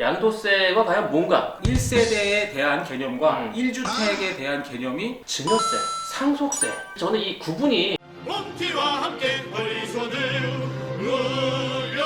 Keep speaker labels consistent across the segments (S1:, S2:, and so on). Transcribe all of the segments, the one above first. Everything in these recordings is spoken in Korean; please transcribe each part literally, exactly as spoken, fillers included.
S1: 양도세가 과연 뭔가?
S2: 일 세대에 대한 개념과
S1: 음.
S2: 일 주택에 대한 개념이
S1: 증여세, 상속세. 저는 이 구분이
S3: 몽키와 함께 우리 손을 올려보세.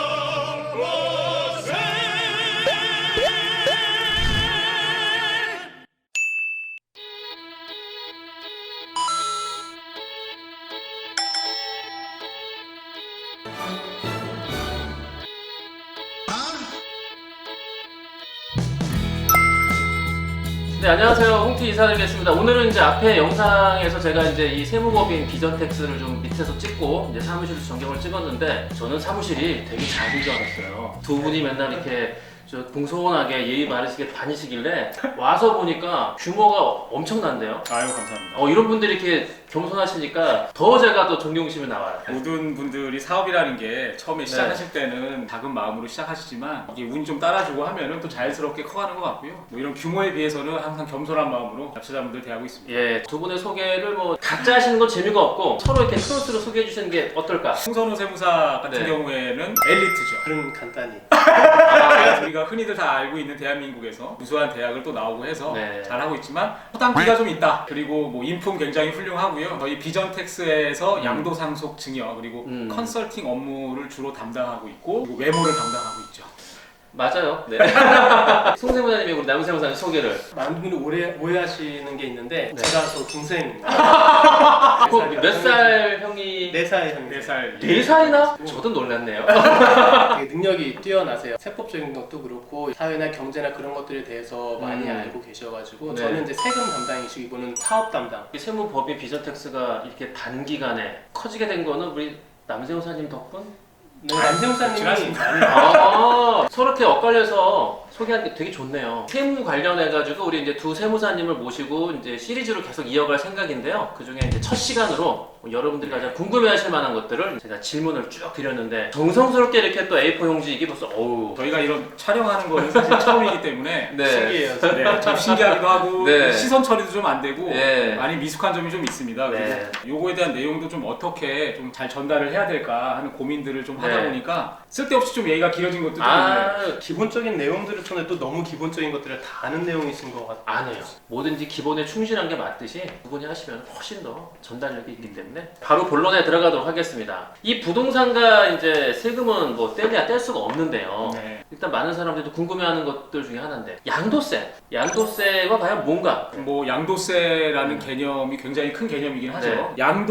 S1: 네, 안녕하세요. 홍티 이사드리겠습니다. 오늘은 이제 앞에 영상에서 제가 이제 이 세무법인 비전텍스를 좀 밑에서 찍고 이제 사무실 전경을 찍었는데 저는 사무실이 되게 작은 줄 알았어요. 두 분이 맨날 이렇게 저 공손하게 예의 바르시게 다니시길래 와서 보니까 규모가 엄청난데요.
S2: 아유 감사합니다.
S1: 어, 이런 분들이 이렇게 겸손하시니까 더 제가 더 존경심이 나와요.
S2: 모든 분들이 사업이라는 게 처음에 시작하실 때는 작은 마음으로 시작하시지만 이게 운이 좀 따라주고 하면은 또 자연스럽게 커가는 것 같고요. 뭐 이런 규모에 비해서는 항상 겸손한 마음으로 납세자분들 대하고 있습니다.
S1: 예, 두 분의 소개를 뭐 각자 하시는 건 재미가 없고 서로 이렇게 크로스로 소개해 주시는 게 어떨까?
S2: 홍선호 세무사 같은
S1: 네.
S2: 경우에는 엘리트죠.
S4: 그럼 간단히
S2: 아, 우리가 흔히들 다 알고 있는 대한민국에서 우수한 대학을 또 나오고 해서
S1: 네.
S2: 잘하고 있지만 허당비가 좀 있다. 그리고 뭐 인품 굉장히 훌륭하고요. 저희 비전텍스에서 양도상속 증여 그리고
S1: 음.
S2: 컨설팅 업무를 주로 담당하고 있고 그리고 외모를 담당하고 있죠.
S1: 맞아요. 네. 송세무사님이 우리 남세무사님 소개를.
S4: 많은 분이 오해, 오해하시는 게 있는데
S1: 네.
S4: 제가 또 동생입니다.
S1: 몇 살 형이?
S4: 네 살 형님.
S2: 네 살.
S1: 네 살이나? 저도 놀랐네요.
S4: 되게 능력이 뛰어나세요. 세법적인 것도 그렇고 사회나 경제나 그런 것들에 대해서 많이
S1: 음.
S4: 알고 계셔가지고
S1: 네.
S4: 저는 이제 세금 담당이시고 이분은 사업 담당.
S1: 이 세무법인 비전텍스가 이렇게 단기간에 커지게 된 거는 우리 남세무사님 덕분?
S4: 네, 남세무사님이
S2: 지났습니다.
S4: 많이
S1: 아, 서로 이렇게 엇갈려서 소개하는 게 되게 좋네요. 세무 관련해가지고 우리 이제 두 세무사님을 모시고 이제 시리즈로 계속 이어갈 생각인데요. 그 중에 이제 첫 시간으로 여러분들이 가장 궁금해하실 만한 것들을 제가 질문을 쭉 드렸는데 정성스럽게 이렇게 또 에이포 용지 이게 벌써 어우.
S2: 저희가 이런 촬영하는 거는 사실 처음이기 때문에
S1: 네.
S4: 신기해요.
S2: 네, 좀 신기하기도 하고
S1: 네.
S2: 시선 처리도 좀 안 되고
S1: 네.
S2: 많이 미숙한 점이 좀 있습니다.
S1: 네.
S2: 그리고 요거에 대한 내용도 좀 어떻게 좀 잘 전달을 해야 될까 하는 고민들을 좀 하다
S1: 네.
S2: 보니까 쓸데없이 좀 얘기가 길어진 것도 좀 있네요.
S1: 아,
S4: 기본적인 내용들을 통해 또 너무 기본적인 것들을 다 아는 내용이신 것 같아요.
S1: 아니에요. 뭐든지 기본에 충실한 게 맞듯이 두 분이 하시면 훨씬 더 전달력이 있기 때문에 바로 본론에 들어가도록 하겠습니다. 이 부동산과 이제 세금은 뭐 떼야 뗄 수가 없는데요.
S2: 네.
S1: 일단 많은 사람들도 궁금해하는 것들 중에 하나인데 양도세, 양도세가 과연 뭔가?
S2: 뭐 양도세라는 개념이 굉장히 큰 개념이긴 하죠.
S1: 네.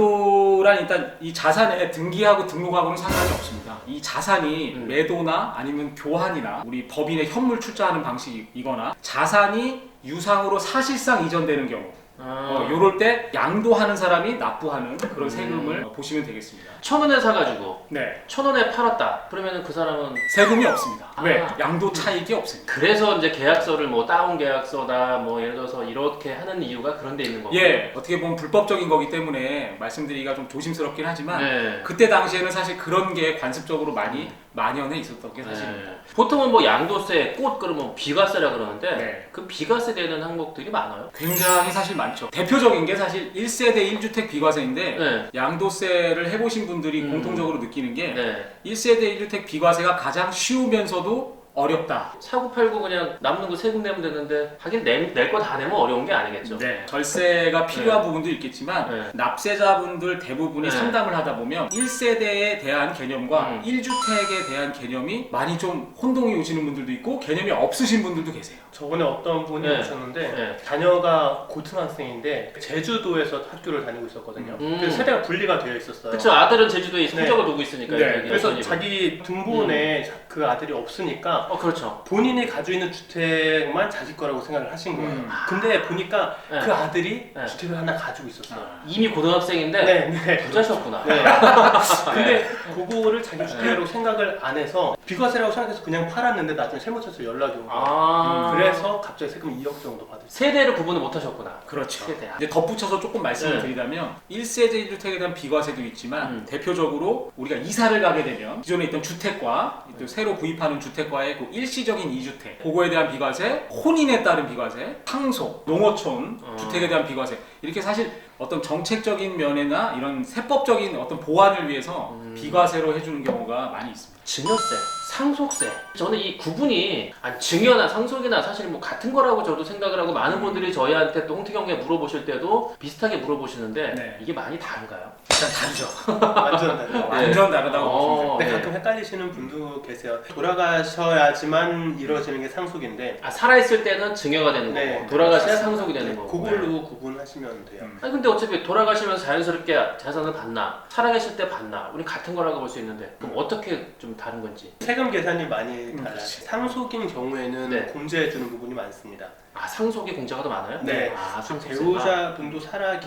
S2: 양도란 일단 이 자산에 등기하고 등록하고는 상관이 없습니다. 이 자산이
S1: 음.
S2: 매도나 아니면 교환이나 우리 법인의 현물 출자하는 방식이거나 자산이 유상으로 사실상 이전되는 경우
S1: 아,
S2: 어, 요럴 때 양도하는 사람이 납부하는 그런 세금을 어, 보시면 되겠습니다.
S1: 천 원에 사가지고
S2: 네.
S1: 천 원에 팔았다. 그러면은 그 사람은
S2: 세금이 없습니다.
S1: 아.
S2: 왜? 양도 차익이 없습니다.
S1: 그래서 이제 계약서를 뭐 다운 계약서다 뭐 예를 들어서 이렇게 하는 이유가 그런 데 있는 거고.
S2: 예, 어떻게 보면 불법적인 거기 때문에 말씀드리기가 좀 조심스럽긴 하지만
S1: 네.
S2: 그때 당시에는 사실 그런 게 관습적으로 많이 만연해 있었던 게 사실입니다.
S1: 네. 보통은 뭐 양도세, 꽃 그러면 비과세라 그러는데
S2: 네.
S1: 그 비과세 되는 항목들이 많아요.
S2: 굉장히 사실 많죠. 대표적인 게 사실 일 세대 일 주택 비과세인데
S1: 네.
S2: 양도세를 해보신 분들이
S1: 음.
S2: 공통적으로 느끼는 게
S1: 네.
S2: 일 세대 일 주택 비과세가 가장 쉬우면서도 어렵다.
S1: 사고 팔고 그냥 남는 거 세금 내면 되는데 하긴 낼 거 다 내면 어려운 게 아니겠죠.
S2: 네. 절세가 필요한 부분도 있겠지만
S1: 네.
S2: 납세자분들 대부분이
S1: 네.
S2: 상담을 하다 보면 일 세대에 대한 개념과
S1: 음.
S2: 일 주택에 대한 개념이 많이 좀 혼동이 오시는 분들도 있고 개념이 없으신 분들도 계세요.
S4: 저번에 어떤 분이
S1: 네.
S4: 오셨는데
S1: 네.
S4: 자녀가 고등학생인데 제주도에서 학교를 다니고 있었거든요.
S1: 음.
S4: 그래서 세대가 분리가 되어 있었어요.
S1: 그쵸, 아들은 제주도에
S4: 네.
S1: 성적을 두고 있으니까.
S2: 네.
S1: 여기
S4: 그래서
S1: 어머니가.
S4: 자기 등본에 그 아들이 없으니까
S1: 어 그렇죠.
S4: 본인이 가지고 있는 주택만 자기 거라고 생각을 하신 거예요.
S2: 음.
S4: 근데 보니까
S1: 네.
S4: 그 아들이
S1: 네.
S4: 주택을 하나 가지고 있었어요.
S2: 아.
S1: 이미 고등학생인데
S4: 네, 네.
S1: 부자셨구나.
S4: 네. 근데 그거를 자기 주택으로 생각을 안 해서 비과세라고 생각해서 그냥 팔았는데 나중에 세무서에서 연락이 온 거예요.
S1: 아.
S4: 그래서 갑자기 세금 이억 정도 받으셨어요.
S1: 세대를 구분을 못 하셨구나.
S2: 그렇죠.
S1: 세대.
S2: 이제 덧붙여서 조금 말씀을
S1: 네.
S2: 드리자면 일 세대 일 주택에 대한 비과세도 있지만
S1: 음.
S2: 대표적으로 우리가 이사를 가게 되면 기존에 있던 주택과 또 새로 구입하는 주택과의 그 일시적인 이주택 그거에 대한 비과세, 혼인에 따른 비과세, 상속, 농어촌
S1: 어.
S2: 주택에 대한 비과세 이렇게 사실 어떤 정책적인 면이나 이런 세법적인 어떤 보완을 위해서
S1: 음.
S2: 비과세로 해주는 경우가 많이 있습니다.
S1: 증여세, 상속세. 저는 이 구분이 아니, 증여나 상속이나 사실 뭐 같은 거라고 저도 생각을 하고 많은 분들이 저희한테 또 홍티경에 물어보실 때도 비슷하게 물어보시는데
S2: 네.
S1: 이게 많이 다른가요?
S2: 일단 다르죠.
S4: 완전 달라요.
S2: 완전 다르다고
S1: 어,
S2: 보시면 돼요.
S4: 근데
S1: 네.
S4: 가끔 헷갈리시는 분도 계세요. 돌아가셔야지만 이루어지는 게 상속인데
S1: 아, 살아있을 때는 증여가 되는 거고
S4: 네.
S1: 돌아가셔야 상속이 되는
S4: 네,
S1: 거고.
S4: 그걸로 구분하시면 돼요.
S2: 음.
S1: 아니 근데 어차피 돌아가시면서 자연스럽게 재산을 받나 살아계실 때 받나 우리 같은 거라고 볼 수 있는데 그럼 어떻게 좀 다른 건지.
S4: 세금 계산이 많이 달라요.
S2: 그렇지.
S4: 상속인 경우에는
S1: 네.
S4: 공제해주는 부분이 많습니다.
S1: 아 상속이 공제가 더 많아요?
S4: 네.
S1: 아 상속세가.
S4: 배우자분도 살아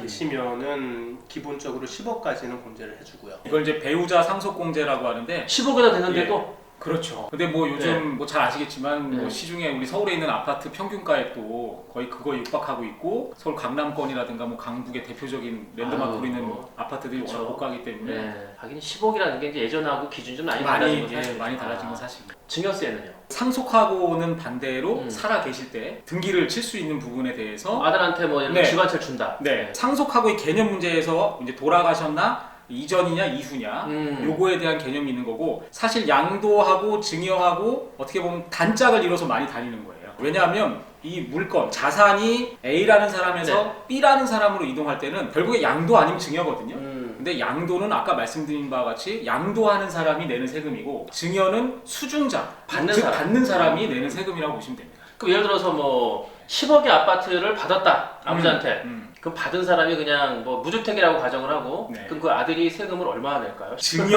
S4: 계시면은 기본적으로 십억까지는 공제를 해주고요.
S2: 이걸 이제 배우자 상속공제라고 하는데
S1: 십억이나 되는데도
S2: 그렇죠. 근데 뭐 요즘
S1: 네.
S2: 뭐 잘 아시겠지만
S1: 네.
S2: 뭐 시중에 우리 서울에 있는 아파트 평균가액도 거의 그거에 육박하고 있고 서울 강남권이라든가 뭐 강북의 대표적인 랜드마크로
S1: 아유,
S2: 있는
S1: 뭐.
S2: 아파트들이
S1: 그쵸.
S2: 워낙 고가기 때문에
S1: 네. 하긴 십억이라는 게 이제 예전하고 기준이 좀 많이 달라진
S2: 많이
S1: 건
S2: 예,
S1: 사실.
S2: 많이 달라진 건 사실이에요.
S1: 증여세는요?
S2: 상속하고는 반대로
S1: 음.
S2: 살아 계실 때 등기를 칠 수 있는 부분에 대해서
S1: 아들한테 뭐 이런
S2: 네.
S1: 집안채 준다.
S2: 네 상속하고의 개념 문제에서 이제 돌아가셨나 이전이냐 이후냐
S1: 음.
S2: 요거에 대한 개념이 있는 거고 사실 양도하고 증여하고 어떻게 보면 단짝을 이뤄서 많이 다니는 거예요. 왜냐하면 이 물건 자산이 A라는 사람에서
S1: 네.
S2: B라는 사람으로 이동할 때는 결국에 양도 아니면 증여거든요.
S1: 음.
S2: 근데 양도는 아까 말씀드린 바와 같이 양도하는 사람이 내는 세금이고 증여는 수중자
S1: 받는
S2: 즉
S1: 사람.
S2: 받는 사람이 내는 세금이라고 보시면 됩니다.
S1: 그럼 예를 들어서 뭐 십억의 아파트를 받았다 아버지한테.
S2: 음.
S1: 그럼 받은 사람이 그냥 뭐 무주택이라고 가정을 하고
S2: 네.
S1: 그럼 그 아들이 세금을 얼마나 낼까요?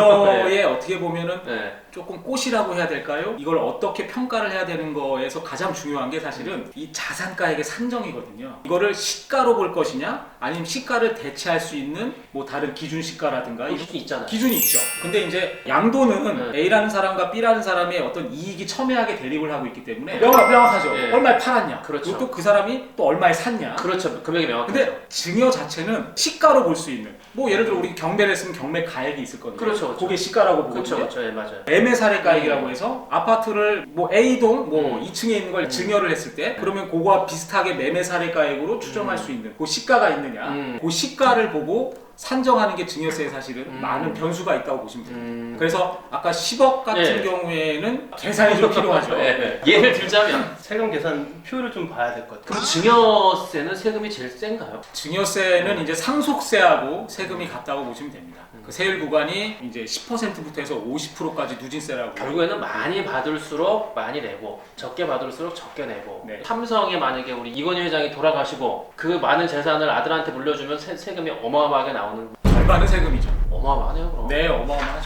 S2: 증여에 어떻게 보면은
S1: 네.
S2: 조금 꽃이라고 해야 될까요? 이걸 어떻게 평가를 해야 되는 거에서 가장 중요한 게 사실은 이 자산가액의 산정이거든요. 이거를 시가로 볼 것이냐 아니면 시가를 대체할 수 있는 뭐 다른 기준 시가라든가
S1: 그 기준이 있잖아요.
S2: 기준이 있죠. 근데 이제 양도는
S1: 네.
S2: A라는 사람과 B라는 사람의 어떤 이익이 첨예하게 대립을 하고 있기 때문에 명확, 명확하죠.
S1: 네.
S2: 얼마에 팔았냐.
S1: 그렇죠.
S2: 그리고 또 그 사람이 또 얼마에 샀냐.
S1: 그렇죠. 금액이 명확하죠.
S2: 근데 증여 자체는 시가로 볼 수 있는 뭐 예를 들어 우리 경매를 했으면 경매 가액이 있을 거든요.
S1: 그렇죠, 그렇죠.
S2: 그게 시가라고
S1: 그렇죠,
S2: 보거든요.
S1: 그렇죠. 예, 맞아요.
S2: 매매 사례가액이라고 해서 아파트를 뭐 A동 뭐
S1: 음.
S2: 이 층에 있는 걸
S1: 음.
S2: 증여를 했을 때 그러면 그거와 비슷하게 매매 사례가액으로 추정할
S1: 음.
S2: 수 있는 그 시가가 있느냐
S1: 음.
S2: 그 시가를 보고 산정하는 게 증여세에 사실은
S1: 음.
S2: 많은 변수가 있다고 보시면 됩니다.
S1: 음.
S2: 그래서 아까 십억 같은
S1: 예.
S2: 경우에는 계산이 좀 필요하죠.
S1: 예, 예. 예를 들자면
S4: 세금 계산 표를 좀 봐야 될 것 같아요.
S1: 그럼 증여세는 세금이 제일 센가요?
S2: 증여세는 이제 상속세하고 세금이 같다고 보시면 됩니다. 그 세율 구간이 이제 십 퍼센트부터 해서 오십 퍼센트까지 누진세라고.
S1: 결국에는 많이 받을수록 많이 내고 적게 받을수록 적게 내고
S2: 네.
S1: 삼성에 만약에 우리 이건희 회장이 돌아가시고 그 많은 재산을 아들한테 물려주면 세, 세금이 어마어마하게 나오는
S2: 절반은 세금이죠.
S1: 어마어마하네요 그럼.
S2: 네, 어마어마하죠.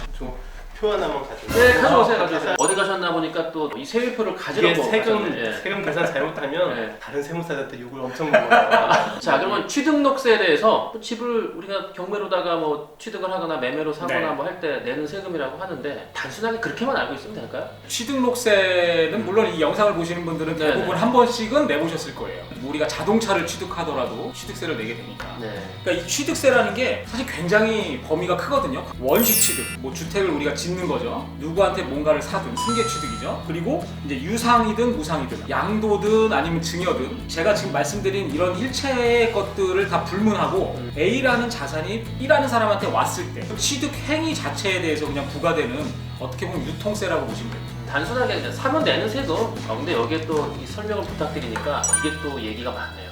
S4: 표 하나만 가져오세요.
S1: 네, 가져오세요, 가져오세요. 어디 가셨나 보니까 또 이 세율표를 가지러
S4: 이게 세금
S1: 가셨네. 예.
S4: 세금 계산 잘못하면
S1: 네.
S4: 다른 세무사한테 욕을 엄청 먹어요.
S1: 자, 그러면 취득록세에 대해서 또 집을 우리가 경매로다가 뭐 취득을 하거나 매매로 사거나
S2: 네.
S1: 뭐 할 때 내는 세금이라고 하는데 단순하게 그렇게만 알고 있으면 될까요?
S2: 취득록세는 물론 이 영상을 보시는 분들은
S1: 네네.
S2: 대부분 한 번씩은 내보셨을 거예요. 우리가 자동차를 취득하더라도 취득세를 내게 되니까.
S1: 네.
S2: 그러니까 이 취득세라는 게 사실 굉장히 범위가 크거든요. 원시 취득, 뭐 주택을 우리가 짓는 거죠. 누구한테 뭔가를 사든 승계 취득이죠. 그리고 이제 유상이든 무상이든 양도든 아니면 증여든 제가 지금 말씀드린 이런 일체의 것들을 다 불문하고
S1: 음.
S2: A라는 자산이 B라는 사람한테 왔을 때 취득 행위 자체에 대해서 그냥 부과되는 어떻게 보면 유통세라고 보시면 됩니다.
S1: 단순하게 그냥 사면 내는 세금. 어, 근데 여기에 또 이 설명을 부탁드리니까 이게 또 얘기가 많네요.